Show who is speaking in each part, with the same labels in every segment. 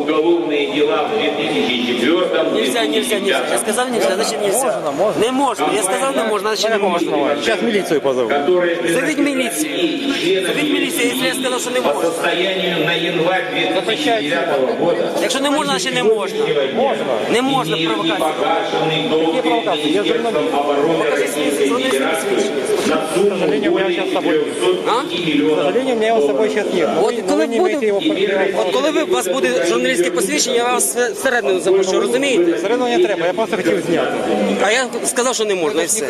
Speaker 1: уголовные дела в 2004
Speaker 2: Нельзя. Я сказал нельзя, значит нельзя. Не можно. Я сказал не можно, значит не можно.
Speaker 3: Сейчас милицию позову.
Speaker 2: Зовите милицию. Если я сказав, що не
Speaker 1: по
Speaker 2: можна.
Speaker 1: состоянию на январь 2009 года
Speaker 2: Якщо не можна, значить не можна. Не можна провокації.
Speaker 1: погашенный долг перед Министерством обороны Российской Федерации на сумму более 905 миллионов.
Speaker 3: К сожалению, у меня его с собой сейчас нет.
Speaker 2: От коли у вас буде журналістське посвідчення, я вас всередину запишу, розумієте?
Speaker 3: Все одно не треба, я просто хотів зняти.
Speaker 2: А я сказав, що не можна, і все.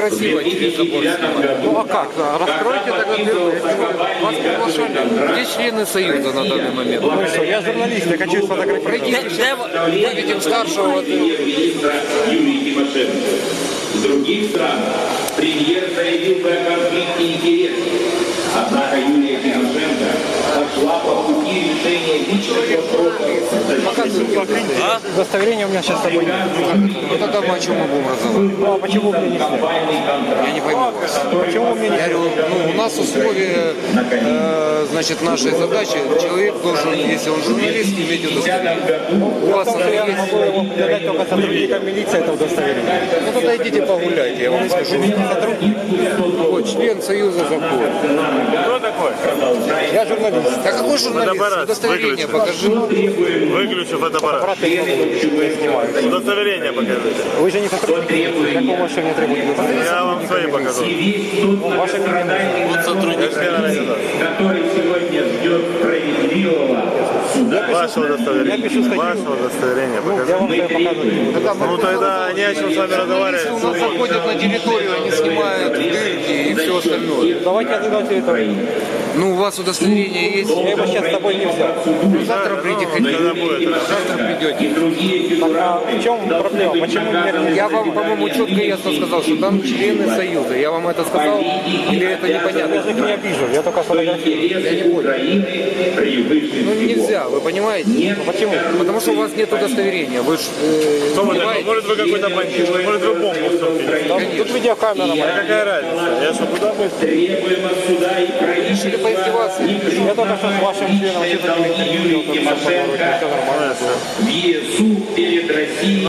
Speaker 3: Ну а как? Раскройте тогда дело.
Speaker 4: Вас приглашали. Где члены Союза на данный момент?
Speaker 3: Ну что, я журналист, я хочу сфотографировать.
Speaker 4: Мы видим старшего.
Speaker 1: Министра Юлии Тимошенко. В других странах премьер заявил бы о конфликте интересов. Однако Юлия Тимошенко пошла по пути решения личных вопросов.
Speaker 3: Удостоверение у меня сейчас с собой нет.
Speaker 4: Ну тогда мы о чем мы будем разговаривать?
Speaker 3: Ну а почему мне не снять?
Speaker 4: Я не пойму вас.
Speaker 3: Почему мне не
Speaker 4: Я говорю, ну, у нас условия, значит, нашей задачи, человек должен, если он журналист, иметь удостоверение. У вас
Speaker 3: Потому
Speaker 4: оно
Speaker 3: что я
Speaker 4: есть?
Speaker 3: могу его передать только сотрудникам милиции, это удостоверение.
Speaker 4: Ну тогда идите погуляйте, я вам скажу. Вот, член Союза закона.
Speaker 5: Кто такой?
Speaker 3: Я журналист.
Speaker 4: А какой журналист?
Speaker 5: Фотоаппарат
Speaker 4: Удостоверение
Speaker 5: выключи.
Speaker 4: покажи.
Speaker 5: Выключи фотоаппарат.
Speaker 3: Брат, я снимаю.
Speaker 5: Удостоверение покажите.
Speaker 3: Вы же не сотрудник. Какого вашего мне требуете?
Speaker 5: Я вам свои покажу.
Speaker 3: Ваше мнение.
Speaker 5: Вот сотрудник.
Speaker 1: Который сегодня ждет справедливого суда.
Speaker 5: Ваше удостоверение.
Speaker 3: Я пишу статью.
Speaker 5: Ваше удостоверение
Speaker 3: Я
Speaker 5: покажите.
Speaker 3: вам это показываю.
Speaker 5: Ну тогда не о чем с вами разговаривать.
Speaker 4: Журналисты у нас заходят на территорию, они снимают дырки и все остальное.
Speaker 3: Давайте я тогда территорию.
Speaker 4: Ну, у вас удостоверение есть?
Speaker 3: Я его сейчас с собой не взял.
Speaker 4: Завтра приедете.
Speaker 5: Когда будет?
Speaker 4: Завтра придете.
Speaker 3: Так, а в чем проблема? Почему мне
Speaker 4: Я вам, по-моему, четко и ясно сказал, что там члены Союза. Я вам это сказал? Или это
Speaker 3: Я
Speaker 4: непонятно?
Speaker 3: же их не обижу, я только сфотографирую.
Speaker 4: Я не понял. Ну, нельзя, вы понимаете?
Speaker 3: Почему?
Speaker 4: Потому что у вас нет удостоверения. Вы ж,
Speaker 5: Кто вы такой?
Speaker 4: понимаете?
Speaker 5: Может вы какой-то бандит, может вы бомбу стукнете.
Speaker 3: Тут видеокамера моя.
Speaker 5: Какая разница? Я что, куда бы?
Speaker 1: Требуем от суда и
Speaker 4: Решили поиздеваться?
Speaker 3: Я только что с вашим членом
Speaker 1: Юлии Тимошенко в ЕСУ перед Россией.